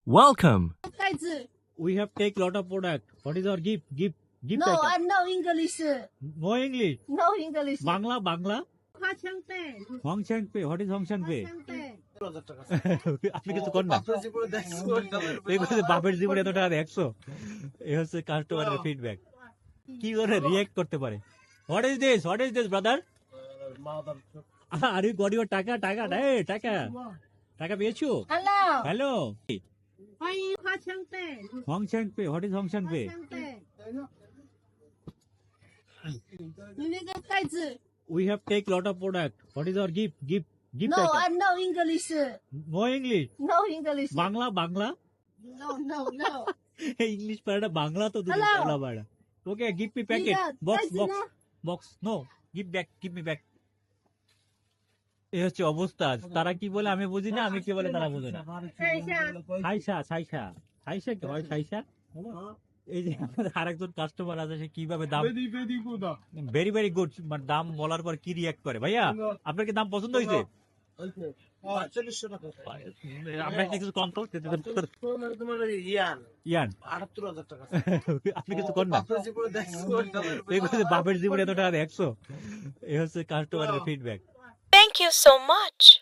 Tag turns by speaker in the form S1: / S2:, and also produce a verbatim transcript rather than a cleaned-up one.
S1: Welcome.
S2: 袋子
S3: We have take lot of product. What is our gift? Gift. Gift
S2: No, I
S3: item.
S2: know English.
S3: No English.
S2: No English.
S3: Bangla, Bangla.
S2: 花枪背，
S3: Hong Chang Pei. What is Hong Chang
S2: 花
S3: Pei?
S2: 枪背，
S3: আপনি কিছু কর না এই বলছে বাপের জীবনে এত টাকা দেখছো এই হচ্ছে কাস্টমারের ফিডব্যাক কি করে রিয়েক্ট করতে পারে what is this what is this brother are you got your taka taka এই টাকা টাকা পেয়েছো
S2: Hello.
S3: হ্যালো
S2: 欢迎花枪背，
S3: হং চ্যাং পে হোয়াট ইজ হং চ্যাং
S2: 花
S3: পে
S2: 枪背。你那个袋子
S3: we have take lot of product what is our gift gift gift
S2: No, I
S3: item
S2: know English.
S3: No English
S2: No English.
S3: Bangla Bangla
S2: No, no, no.
S3: English পাড়া বাংলা তো তুমি
S2: Hello.
S3: Bangla পাড়া okay give me packet
S2: Yeah,
S3: box
S2: that's
S3: box
S2: enough.
S3: Box no give back give me back এই হচ্ছে অবস্থা তারা কি বলে আমি বুঝি না আমি কি বলে তারা বুঝে না
S2: 看一下，
S3: ছাইসা ছাইসা ছাইসা কি হয় ছাইসা এই যে আমাদের আরেকজন কাস্টমার আছে সে কিভাবে দাম ভেরি ভেরি গুড মানে দাম বলার পর কি রিয়াক্ট করে ভাইয়া আপনার কি দাম পছন্দ হয়েছে আপনার কি কিছু কম তো ইয়ান আপনি কিছু কর না এই বলছে বাপের জীবনে এত টাকা দেখছো এই হচ্ছে কাস্টমারের feedback
S4: Thank you so much.